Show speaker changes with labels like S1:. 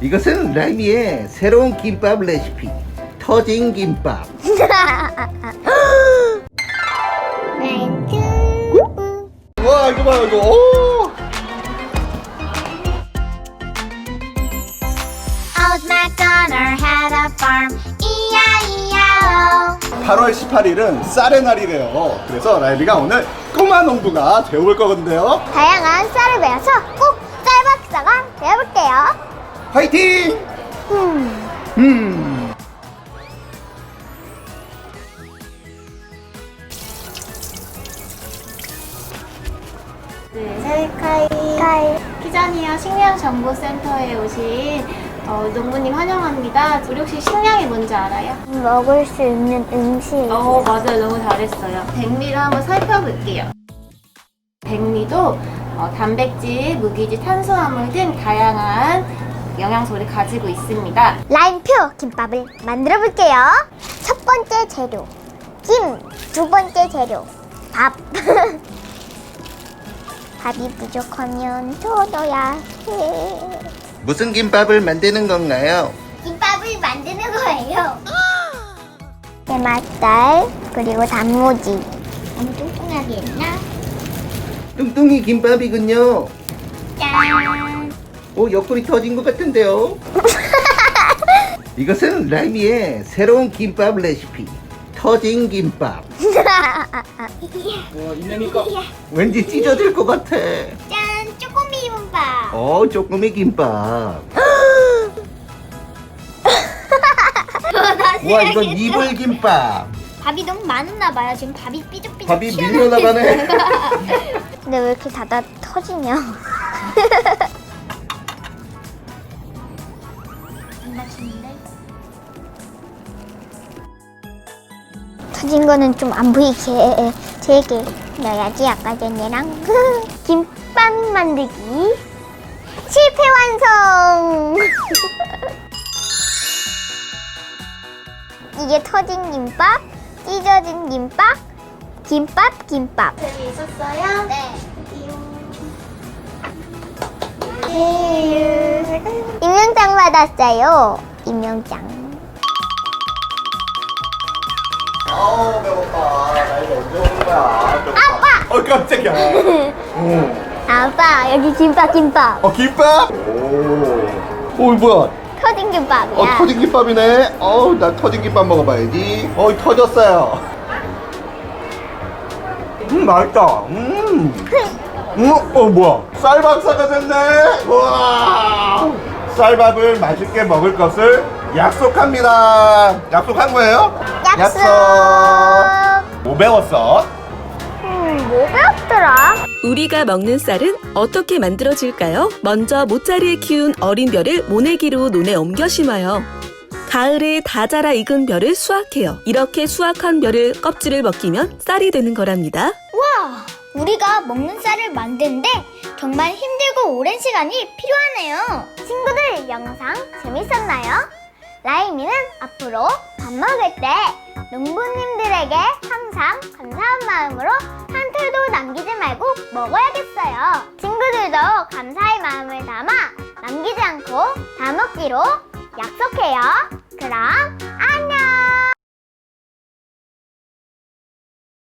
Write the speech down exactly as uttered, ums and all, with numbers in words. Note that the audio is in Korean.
S1: 이것은 라임이의 새로운 김밥 레시피, 터진 김밥. 와, 이거 봐, 이거. 오!
S2: Old MacDonald had a farm, E I E I O.
S3: 팔월 십팔일은 쌀의 날이래요. 그래서 라임이가 오늘 꼬마 농부가 되어볼 거거든요.
S2: 다양한 쌀을 배워서 꼭 쌀박사가 되어볼게요.
S3: 화이팅!
S2: 음.
S3: 음.
S4: 네, 셀카이
S2: 카이.
S4: 키자니아 식량정보센터에 오신 어, 농부님 환영합니다. 우리 혹시 식량이 뭔지 알아요?
S2: 먹을 수 있는 음식.
S4: 어, 맞아요. 너무 잘했어요. 백미를 한번 살펴볼게요. 백미도 어, 단백질, 무기질, 탄수화물 등 다양한 영양소를 가지고 있습니다.
S2: 라임표 김밥을 만들어 볼게요. 첫 번째 재료 김, 두 번째 재료 밥. 밥이 부족하면 더 넣어야 해.
S1: 무슨 김밥을 만드는 건가요?
S2: 김밥을 만드는 거예요. 게맛살 그리고 단무지. 너무 뚱뚱하게 했나?
S1: 뚱뚱이 김밥이군요.
S2: 짠.
S1: 오, 옆구리 터진 것 같은데요? 이것은 라임이의 새로운 김밥 레시피, 터진 김밥. 왠지 찢어질 것 같아.
S2: 짠, 쪼꼬미 김밥.
S1: 어, 쪼꼬미 김밥. 와, 이건 이불 김밥.
S2: 밥이 너무 많았나 봐요. 지금 밥이 삐죽삐죽
S1: 밥이
S2: 튀어나오고
S1: 밀려나가네.
S2: 있어요. 근데 왜 이렇게 닫아 터지냐? 안 다치는데? 터진 거는 좀 안 보이게 되게 넣어야지. 아까 전에랑 김밥 만들기 실패 완성. 이게 터진 김밥, 찢어진 김밥, 김밥, 김밥.
S4: 재미있었어요?
S2: 네. 임명장 받았어요. 임명장.
S3: 아우, 배고파. 라임이 언제 오는 거야? 배고파.
S2: 아빠!
S3: 어, 깜짝이야. 오.
S2: 아빠, 여기 김밥, 김밥.
S3: 어, 김밥? 오. 오, 뭐야?
S2: 터진 김밥이야.
S3: 어, 터진 김밥이네. 어우, 나 터진 김밥 먹어봐야지. 어이, 터졌어요. 음, 맛있다. 음. 음, 어, 뭐야? 쌀박사가 됐네. 우와. 쌀밥을 맛있게 먹을 것을 약속합니다. 약속한 거예요?
S2: 약속.
S3: 뭐 배웠어?
S2: 음, 뭐 배웠더라?
S5: 우리가 먹는 쌀은 어떻게 만들어질까요? 먼저 모짜리에 키운 어린 벼를 모내기로 논에 옮겨 심어요. 가을에 다 자라 익은 벼를 수확해요. 이렇게 수확한 벼를 껍질을 벗기면 쌀이 되는 거랍니다.
S2: 와, 우리가 먹는 쌀을 만드는데 정말 힘들고 오랜 시간이 필요하네요. 친구들, 영상 재밌었나요? 라임이는 앞으로 밥 먹을 때 농부님들에게 항상 감사한 마음으로 한 톨도 남기지 말고 먹어야겠어요. 친구들도 감사의 마음을 담아 남기지 않고 다 먹기로 약속해요. 그럼